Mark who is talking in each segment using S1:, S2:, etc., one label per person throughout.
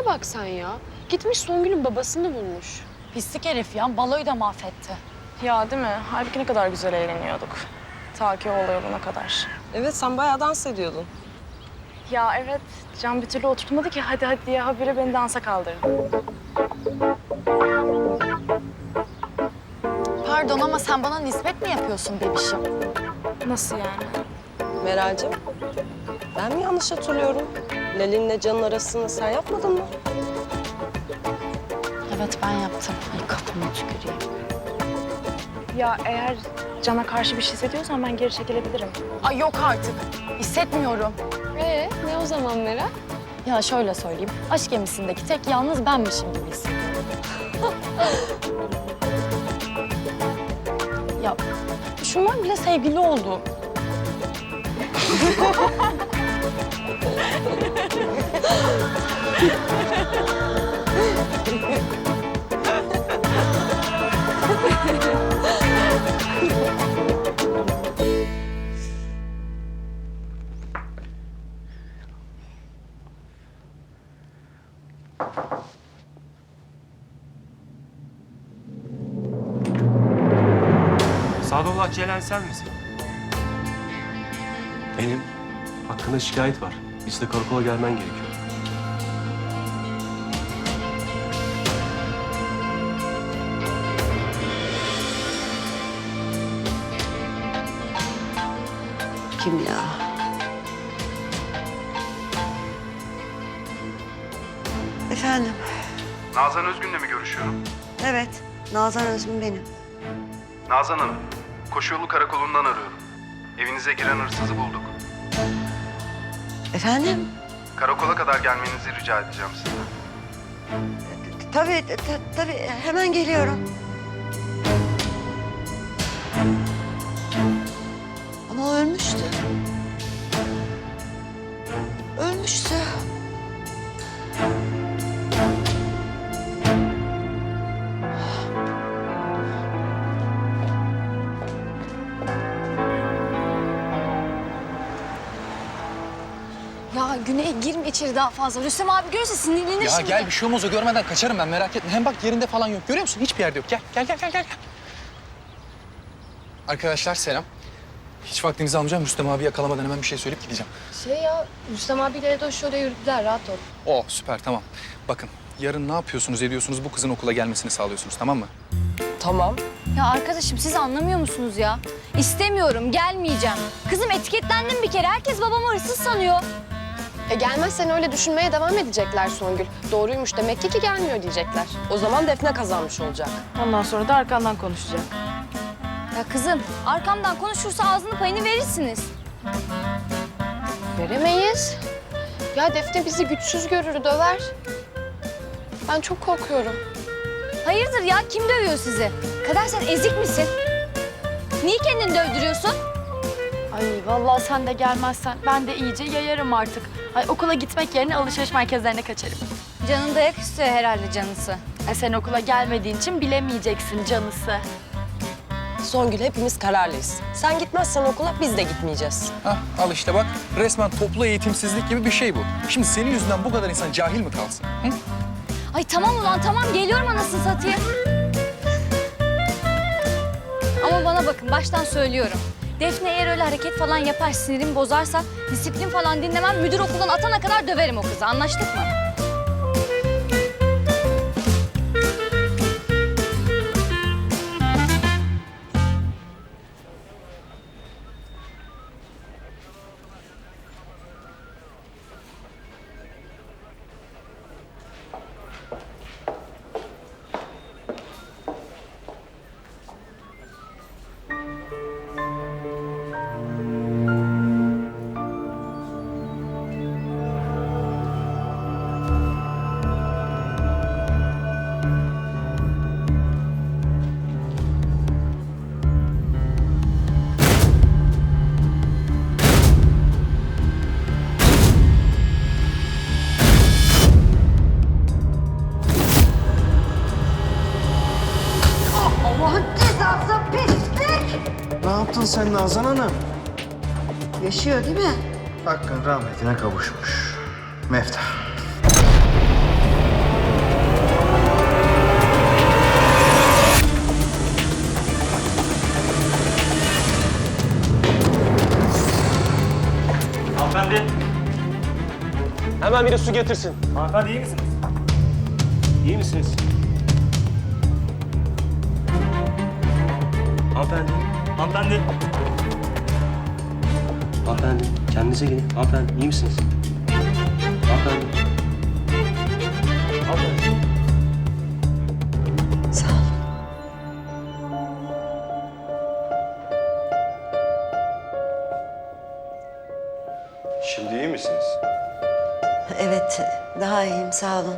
S1: Şuraya bak sen ya. Gitmiş Songül'ün babasını bulmuş.
S2: Pislik herif ya. Baloyu da mahvetti.
S3: Ya değil mi? Halbuki ne kadar güzel eğleniyorduk. Ta ki o olay olana kadar.
S4: Evet, sen bayağı dans ediyordun.
S3: Ya evet, Can bir türlü oturtmadı ki hadi hadi diye habire beni dansa kaldırdı.
S2: Pardon ama sen bana nispet mi yapıyorsun bebişim?
S3: Nasıl yani?
S4: Meral'cim, ben mi yanlış hatırlıyorum? Lalin'le Can'ın arasını sen yapmadın mı?
S2: Evet ben yaptım. Ay kafama tüküreyim.
S3: Ya eğer Can'a karşı bir şey hissediyorsan ben geri çekilebilirim.
S2: Ay yok artık. Hissetmiyorum.
S1: Ne o zaman Meral?
S2: Ya şöyle söyleyeyim. Aşk gemisindeki tek yalnız benmişim gibi hissediyorum. Ya şunlar bile sevgili oldu.
S5: Sadullah Celen sen misin?
S6: Benim. Hakkında şikayet var. Biz de karakola gelmen gerekiyor.
S7: Kim ya? Efendim?
S8: Nazan Özgün'le mi görüşüyorum?
S7: Evet, Nazan Özgün benim.
S8: Nazan Hanım, Koşuyolu Karakolu'ndan arıyorum. Evinize giren hırsızı bulduk.
S7: Efendim?
S8: Karakola kadar gelmenizi rica edeceğim sizden.
S7: Tabii, hemen geliyorum. Ama o ölmüştü. Ölmüştü.
S2: Ya Güney girme içeri daha fazla. Rüstem abi görürse sinirlenir
S9: Ya
S2: şimdi.
S9: gel bir şey olmaz o görmeden kaçarım ben merak etme. Hem bak yerinde falan yok görüyor musun? Hiçbir yerde yok. Gel. Arkadaşlar selam. Hiç vaktinizi almayacağım. Rüstem abi yakalamadan hemen bir şey söyleyip gideceğim.
S1: Rüstem abiyle Edoş şöyle yürüdüler, rahat ol.
S9: Oh süper tamam. Bakın yarın ne yapıyorsunuz ediyorsunuz bu kızın okula gelmesini sağlıyorsunuz tamam mı?
S4: Tamam.
S10: Ya arkadaşım siz anlamıyor musunuz ya? İstemiyorum, gelmeyeceğim. Kızım etiketlendim bir kere. Herkes babamı hırsız sanıyor.
S1: Gelmezsen öyle düşünmeye devam edecekler Songül. Doğruymuş demek ki gelmiyor diyecekler.
S4: O zaman Defne kazanmış olacak.
S3: Ondan sonra da arkandan konuşacak.
S10: Ya kızım arkamdan konuşursa ağzının payını verirsiniz.
S1: Veremeyiz. Ya Defne bizi güçsüz görür, döver. Ben çok korkuyorum.
S10: Hayırdır ya kim dövüyor sizi? Kader sen ezik misin? Niye kendini dövdürüyorsun?
S2: Ay vallahi sen de gelmezsen ben de iyice yayarım artık. Ay okula gitmek yerine alışveriş merkezlerine kaçarım.
S10: Canın dayak istiyor herhalde canısı.
S2: Sen okula gelmediğin için bilemeyeceksin canısı.
S4: Songül hepimiz kararlıyız. Sen gitmezsen okula biz de gitmeyeceğiz.
S9: Hah al işte bak resmen toplu eğitimsizlik gibi bir şey bu. Şimdi senin yüzünden bu kadar insan cahil mi kalsın? Hı?
S10: Ay tamam ulan tamam geliyorum anasını satayım. Ama bana bakın baştan söylüyorum. Defne eğer öyle hareket falan yapar sinirimi bozarsa disiplin falan dinlemem müdür okuldan atana kadar döverim o kızı anlaştık mı?
S11: Ne yaptın sen Nazan Hanım?
S7: Yaşıyor değil mi?
S11: Hakkın rahmetine kavuşmuş. Meftah. biri su getirsin.
S6: Hanımefendi iyi misiniz? İyi misiniz? Hanımefendi. Hanımefendi. Hanımefendi kendinize gelin. Hanımefendi iyi misiniz? Hanımefendi. Hanımefendi.
S7: Sağ ol.
S11: Şimdi iyi misiniz?
S7: Evet, daha iyiyim sağ olun.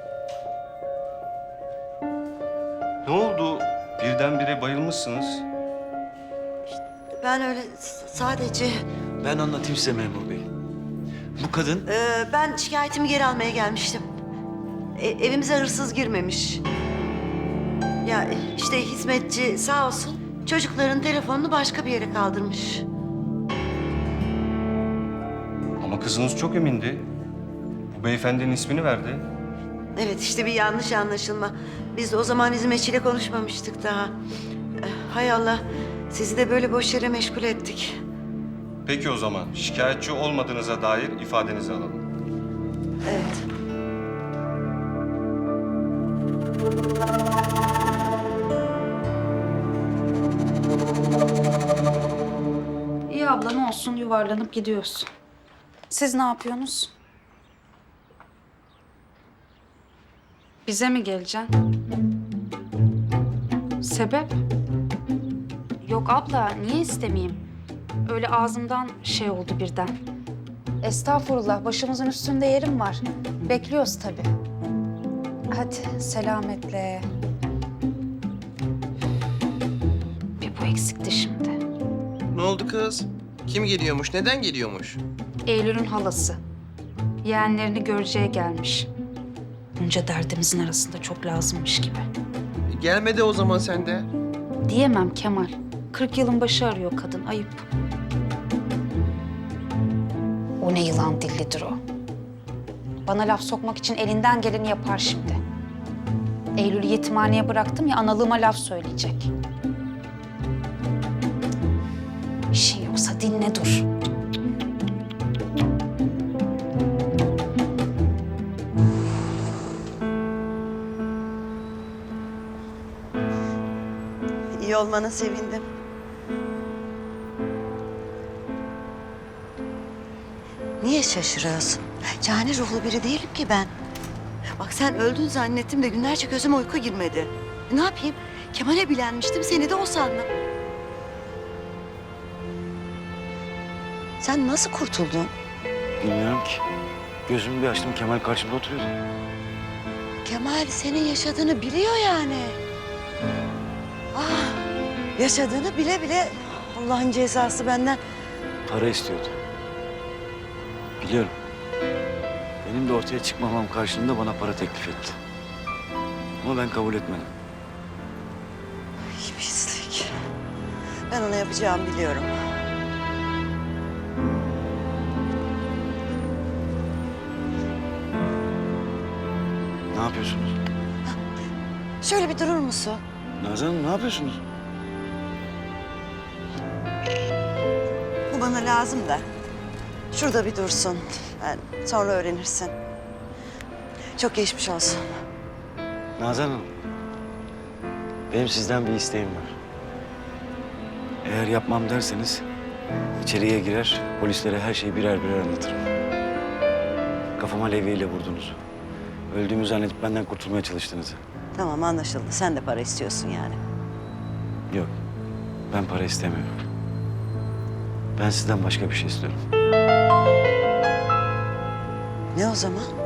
S11: Ne oldu? Birdenbire bayılmışsınız.
S7: Ben öyle sadece...
S5: Ben anlatayım size memur bey. Bu kadın
S7: ben şikayetimi geri almaya gelmiştim. Evimize hırsız girmemiş. Ya işte hizmetçi sağ olsun çocukların telefonunu başka bir yere kaldırmış.
S11: Ama kızınız çok emindi. Bu beyefendinin ismini verdi.
S7: Evet işte bir yanlış anlaşılma. Biz de o zaman hizmetçiyle konuşmamıştık daha. Hay Allah sizi de böyle boş yere meşgul ettik.
S11: Peki o zaman şikayetçi olmadığınıza dair ifadenizi alalım.
S7: Evet.
S12: İyi abla ne olsun yuvarlanıp gidiyoruz. Siz ne yapıyorsunuz? Bize mi geleceksin? Sebep? Yok abla niye istemeyeyim? Öyle ağzımdan şey oldu birden. Estağfurullah başımızın üstünde yerim var. Bekliyoruz tabii. Hadi selametle. Bir bu eksikti şimdi.
S5: ne oldu kız? Kim geliyormuş? Neden geliyormuş?
S12: Eylül'ün halası. Yeğenlerini göreceğe gelmiş. Bunca derdimizin arasında çok lazımmış gibi.
S5: Gelmedi o zaman sen de.
S12: Diyemem Kemal. 40 yılın başı arıyor kadın. Ayıp. O ne yılan dillidir o. Bana laf sokmak için elinden geleni yapar şimdi. Eylül'ü yetimhaneye bıraktım ya analığıma laf söyleyecek. İşin yoksa dinle dur.
S7: İyi olmana sevindim. Niye şaşırıyorsun? Cani ruhlu biri değilim ki ben. Bak sen öldün zannettim de günlerce gözüme uyku girmedi. Ne yapayım? Kemal'e bilenmiştim, seni de o sandım. Sen nasıl kurtuldun?
S5: Bilmiyorum ki. Gözümü bir açtım Kemal karşımda oturuyordu.
S7: Kemal senin yaşadığını biliyor yani. Ah, yaşadığını bile bile Allah'ın cezası benden.
S5: Para istiyordu. Biliyorum. Benim de ortaya çıkmamam karşılığında bana para teklif etti. Ama ben kabul etmedim.
S7: Ay, pislik. Ben ona yapacağımı biliyorum.
S5: Ne yapıyorsunuz?
S7: Şöyle bir durur musun?
S5: Nazan Hanım ne yapıyorsunuz?
S7: Bu bana lazım da. Şurada bir dursun. Ben sonra öğrenirsin. Çok geçmiş olsun.
S5: Nazan Hanım. Benim sizden bir isteğim var. Eğer yapmam derseniz içeriye girer, polislere her şeyi birer birer anlatırım. Kafama levyeyle vurdunuz. Öldüğümü zannedip benden kurtulmaya çalıştınız.
S7: Tamam anlaşıldı. Sen de para istiyorsun yani.
S5: Yok, ben para istemiyorum. Ben sizden başka bir şey istiyorum.
S7: Ne o zaman?